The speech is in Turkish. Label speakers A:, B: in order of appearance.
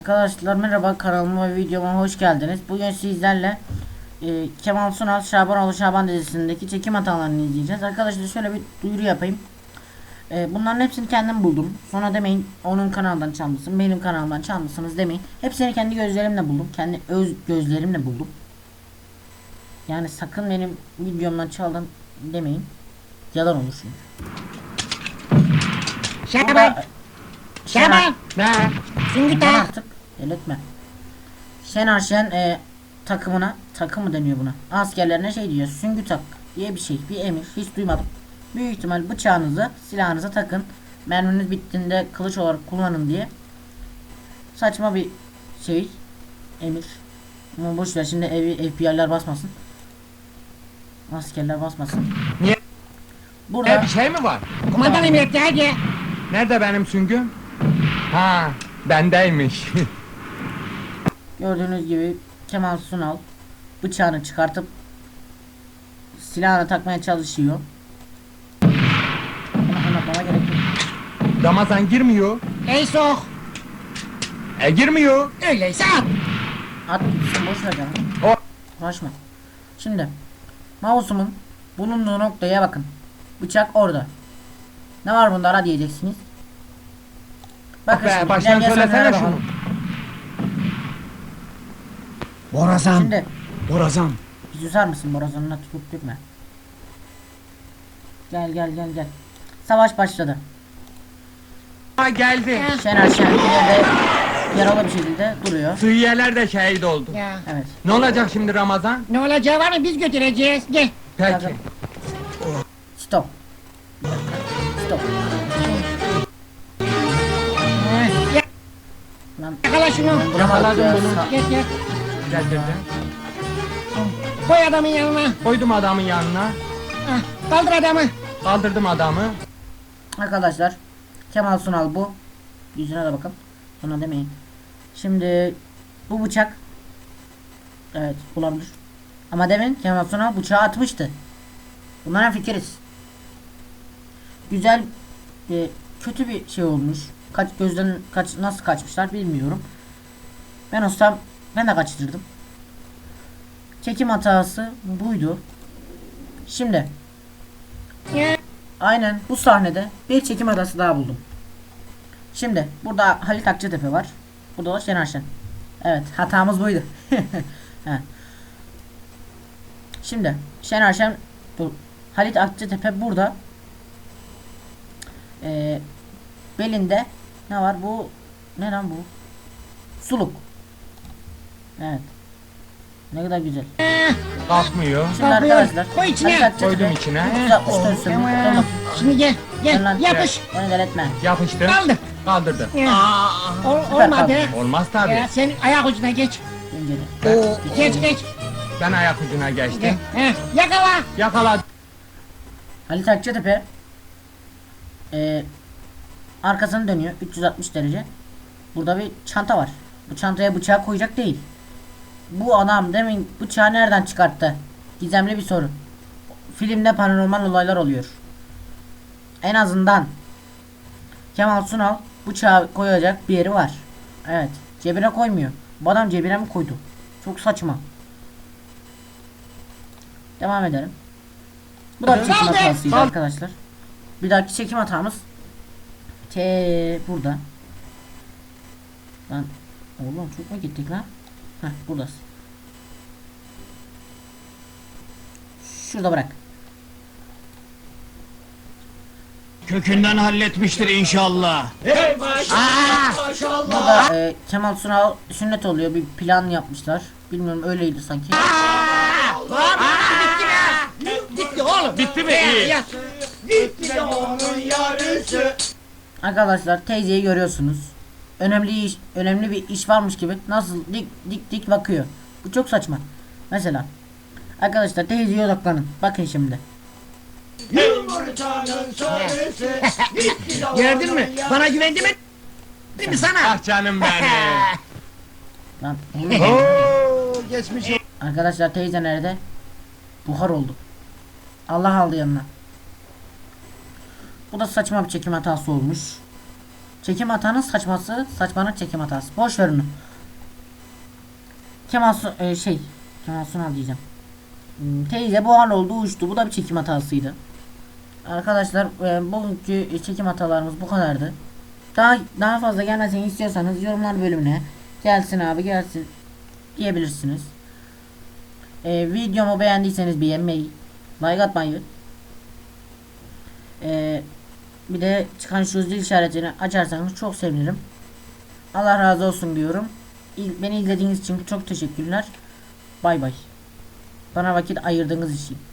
A: Arkadaşlar merhaba, kanalıma ve videoma hoş geldiniz. Bugün sizlerle Kemal Sunal Şabanoğlu Şaban dizisindeki çekim hatalarını izleyeceğiz. Arkadaşlar şöyle bir duyuru yapayım. Bunların hepsini kendim buldum. Sonra demeyin onun kanalından çalmışsın, benim kanalımdan çalmışsınız demeyin. Hepsini kendi gözlerimle buldum. Kendi öz gözlerimle buldum. Yani sakın benim videomdan çaldın demeyin. Yalan olur çünkü.
B: Şaban! Şaban!
A: Ne?
B: Şimdi
A: Aman
B: tak!
A: artık delirtme. Şener Şen takımına, takım mı deniyor buna? Askerlerine şey diyor, süngü tak diye bir şey, bir emir, hiç duymadım. Büyük ihtimal bıçağınızı, silahınıza takın. Merminiz bittiğinde kılıç olarak kullanın diye. Saçma bir şey, emir. Ama boşver, şimdi FBI'ler basmasın. Askerler basmasın.
C: Niye?
A: Burada
C: Bir şey mi var?
B: Kumandan emretti hadi!
C: Nerede benim süngüm? Ha, bendeymiş.
A: gördüğünüz gibi Kemal Sunal bıçağını çıkartıp silahını takmaya çalışıyor. Bunu anlatmama gerek yok.
C: Ramazan girmiyor.
B: Ey sok!
C: Girmiyor.
B: Öyleyse at!
A: At gitsin, boş ver canım.
C: O
A: Uğraşma. Şimdi mouse'umun bulunduğu noktaya bakın. Bıçak orada. Ne var bunda ara diyeceksiniz. Bakın
C: be,
A: şimdi
C: baştan
A: ilerleyen
C: söylesene
A: sahnelere
C: şunu.
A: bakalım.
B: Borazan!
A: Şimdi
B: Borazan!
A: bir susar mısın, borazanına tutup dökme. Gel gel gel gel. Savaş başladı.
C: geldi.
A: Şener Şen ileride yaralı bir şekilde duruyor.
C: Sıyyeler de şehit oldu.
B: Ya!
A: Evet.
C: Ne olacak şimdi Ramazan?
B: Ne olacağı var mı biz götüreceğiz. Gel!
C: Peki.
A: Stop. Stop.
B: Ya,
A: Lan
B: yakala şunu!
C: Yakaladım
A: ya,
C: bunu.
B: Gel gel!
C: Getirdim.
B: Koy adamın yanına!
C: Koydum adamın yanına.
B: Ah, kaldır adamı!
C: Kaldırdım adamı.
A: Arkadaşlar Kemal Sunal bu. Yüzüne de bakın. Ona demeyin. Şimdi bu bıçak, evet, olabilir. Ama demin Kemal Sunal bıçağı atmıştı. Bunlara fikiriz. Güzel, kötü bir şey olmuş. Gözden nasıl kaçmışlar bilmiyorum. Ben olsam ben de kaçırırdım. Çekim hatası buydu. Şimdi
B: Ya!
A: aynen bu sahnede bir çekim hatası daha buldum. Şimdi burada Halit Akçatepe var. Burada da Şener Şen. Evet, hatamız buydu. He. Şimdi Şener Şen, Halit Akçatepe burada. Belinde ne var? Bu ne lan bu? Suluk. Evet. Ne kadar güzel.
C: Kalkmıyor.
A: Şimdi
B: Kalkıyor.
A: arkadaşlar,
B: Koy içine.
A: Halit Akçatepe
C: Koydum içine.
A: 364 sürüm.
B: Tamam. Şimdi gel! Gel! Yapış!
A: Beni deletme.
C: Yapıştır.
B: Kaldır!
C: Kaldırdım.
B: Ya.
A: Süper
B: Olmadı!
A: kaldı.
C: Olmaz tabi.
B: Ya, sen ayak ucuna geç!
A: Bence
B: Geç geç!
C: Ben ayak ucuna
B: Gel!
C: geçtim.
B: Yakala!
C: Yakaladım.
A: Halit Akçatepe arkasını dönüyor 360 derece. Burada bir çanta var. Bu çantaya bıçağı koyacak değil. Bu adam demin bıçağı nereden çıkarttı? Gizemli bir soru. Filmde paranormal olaylar oluyor. En azından Kemal Sunal bıçağı koyacak bir yeri var. Evet. Cebine koymuyor. Bu adam cebine mi koydu? Çok saçma. Devam edelim. Bu da bir çekim
B: Kaldır.
A: hatasıydı arkadaşlar. Bir dahaki çekim hatamız burada. Lan oğlum çok mu gittik lan? Heh, buradasın. Şurada bırak.
D: Kökünden halletmiştir inşallah.
A: Burada Kemal Sunal sünnet oluyor. Bir plan yapmışlar. Bilmiyorum, öyleydi sanki.
B: Gitti oğlum!
C: Bitti mi? İyi.
B: Yat!
A: Arkadaşlar teyzeyi görüyorsunuz. Önemli bir iş varmış gibi nasıl dik bakıyor. Bu çok saçma. Mesela arkadaşlar teyzeye odaklanın. Bakın şimdi.
B: Gördün mü? Bana güvendi mi? Değil mi sana?
C: Ah canım benim.
A: Lan
C: Oo, geçmiş.
A: arkadaşlar teyze nerede? Buhar oldu. Allah aldı yanına. Bu da saçma bir çekim hatası olmuş. Çekim hatanın saçmanın çekim hatası. Boş ver onu. Kemal Sunal diyeceğim. Teyze bu hal oldu uçtu. Bu da bir çekim hatasıydı. Arkadaşlar bugünkü çekim hatalarımız bu kadardı. Daha fazla gelmesini istiyorsanız yorumlar bölümüne gelsin abi gelsin diyebilirsiniz. Videomu beğendiyseniz beğenmeyi, like atmayı, bir de çıkan şu zil işaretini açarsanız çok sevinirim. Allah razı olsun diyorum. Beni izlediğiniz için çok teşekkürler. Bay bay. Bana vakit ayırdığınız için.